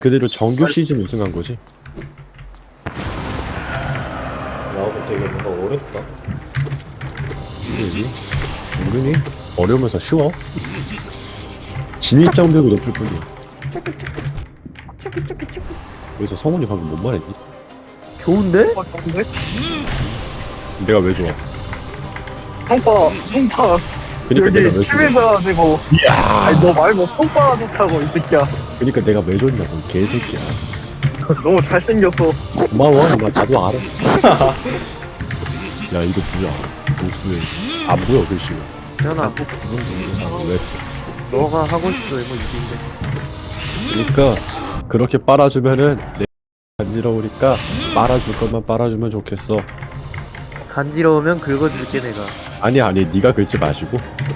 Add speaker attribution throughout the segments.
Speaker 1: 그대로 정규 시즌 우승한 거지.
Speaker 2: 나하고 되게 뭔가 어렵다.
Speaker 1: 그지? 은근히 어려우면서 쉬워. 진입장벽이 높을 뿐이야. 여기서 성훈이 방금 뭔 말했니?
Speaker 3: 좋은데?
Speaker 4: 좋은데?
Speaker 1: 내가 왜 좋아?
Speaker 4: 성파
Speaker 1: 그니까
Speaker 4: 여기
Speaker 1: 내가 왜 좋아?
Speaker 4: 큐베가 되고
Speaker 1: 이야.
Speaker 4: 아니 너 말고 성파 좋다고 이 새끼야.
Speaker 1: 그니까 내가 왜 좋냐고 이 개새끼야.
Speaker 4: 너무 잘생겼어.
Speaker 1: 고마워. 나도 알아. 야 이거 뭐야? 무슨 안 보여 글씨가.
Speaker 3: 현아
Speaker 1: 왜?
Speaker 3: 너가 하고 싶어 이거 이긴데.
Speaker 1: 그러니까 그렇게 빨아주면은 내 간지러우니까 빨아줄 것만 빨아주면 좋겠어.
Speaker 3: 간지러우면 긁어줄게 내가.
Speaker 1: 아니 네가 긁지 마시고.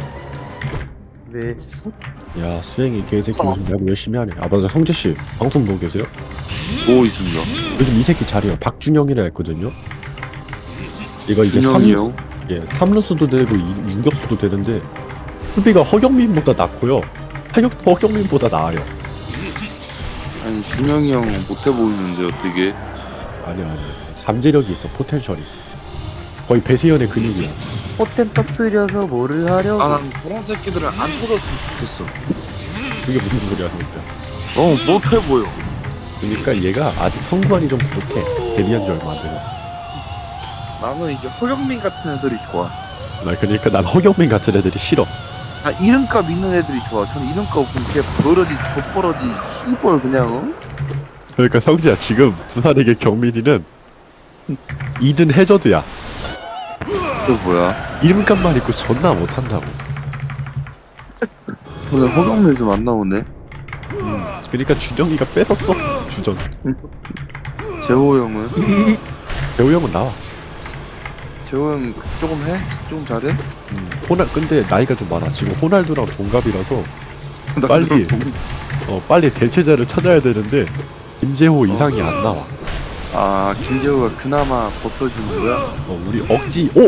Speaker 3: 왜?
Speaker 1: 야 수행이 개새끼 요즘 야구 열심히 하네. 아 맞아 성재 씨 방송 보고 계세요?
Speaker 5: 보고 있습니다.
Speaker 1: 요즘 이 새끼 잘해요. 박준영이라 했거든요. 이거 이제
Speaker 5: 준영이요?
Speaker 1: 예, 3루수도 되고 유격수도 되는데 수비가 허경민보다 낫고요. 허경민보다 나아요.
Speaker 5: 아니 준영이 형 못해 보이는데 어떻게?
Speaker 1: 아니야. 잠재력이 있어. 포텐셜이. 거의 배세현의 근육이야.
Speaker 3: 포텐 터뜨려서 뭐를 하려고?
Speaker 5: 아난 그런 새끼들은 안 터졌으면 좋겠어.
Speaker 1: 그게 무슨 소리야 진짜.
Speaker 5: 못해 보여.
Speaker 1: 그러니까 얘가 아직 성관이 좀 부족해. 데뷔한 지 얼마 안 돼서.
Speaker 5: 나는 이제 허경민 같은 애들이 좋아.
Speaker 1: 나 그러니까 난 허경민 같은 애들이 싫어.
Speaker 5: 아 이름값 있는 애들이 좋아. 저는 이름값 없으면 그냥 버러지 족버러지 씨벌 그냥
Speaker 1: 그러니까 성재야 지금 부산에게 경민이는 2든 해저드야.
Speaker 5: 그 뭐야?
Speaker 1: 이름값만 있고 존나 못한다고.
Speaker 5: 오늘 허경민 좀 안 나오네.
Speaker 1: 그러니까 준영이가 뺏었어. 주전.
Speaker 5: 재호 형은?
Speaker 1: 재호 형은 나와.
Speaker 5: 재호 형 조금 해? 조금 잘해?
Speaker 1: 근데 나이가 좀 많아. 지금 호날두랑 동갑이라서
Speaker 5: 나
Speaker 1: 빨리.
Speaker 5: 그럼 동-
Speaker 1: 빨리 대체자를 찾아야 되는데 김재호 이상이 안 나와.
Speaker 5: 아 김재호가 그나마 버텨주는 거야?
Speaker 1: 우리 억지. 오.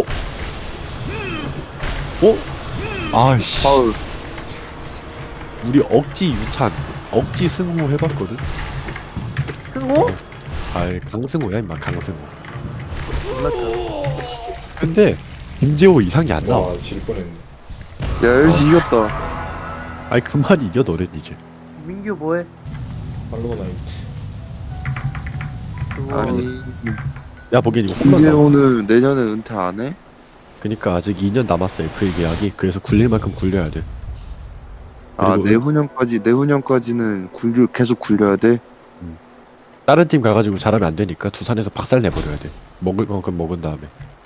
Speaker 1: 오. 아씨.
Speaker 5: 파울.
Speaker 1: 우리 억지 유찬, 억지 승호 해봤거든.
Speaker 3: 승호?
Speaker 1: 아이 강승호야 임마 강승호.
Speaker 3: 몰랐다.
Speaker 1: 근데 김재호 이상이 안 나와.
Speaker 2: 와, 질 뻔했네.
Speaker 5: 야 LG 이겼다.
Speaker 1: 아이 그만 이겨 너넨 이제.
Speaker 3: 민규 뭐해?
Speaker 2: 팔로우 나이.
Speaker 3: 그거
Speaker 5: 아니
Speaker 1: 야 보기엔 이거 홈런 나.
Speaker 5: 김재호는 내년에 은퇴 안 해?
Speaker 1: 그니까 아직 2년 남았어 FA 계약이. 그래서 굴릴 만큼 굴려야 돼.
Speaker 5: 아
Speaker 1: 그리고
Speaker 5: 내후년까지는 계속 굴려야 돼?
Speaker 1: 다른 팀 가가지고 잘하면 안 되니까 두산에서 박살 내버려야 돼. 먹을 만큼 먹은 다음에.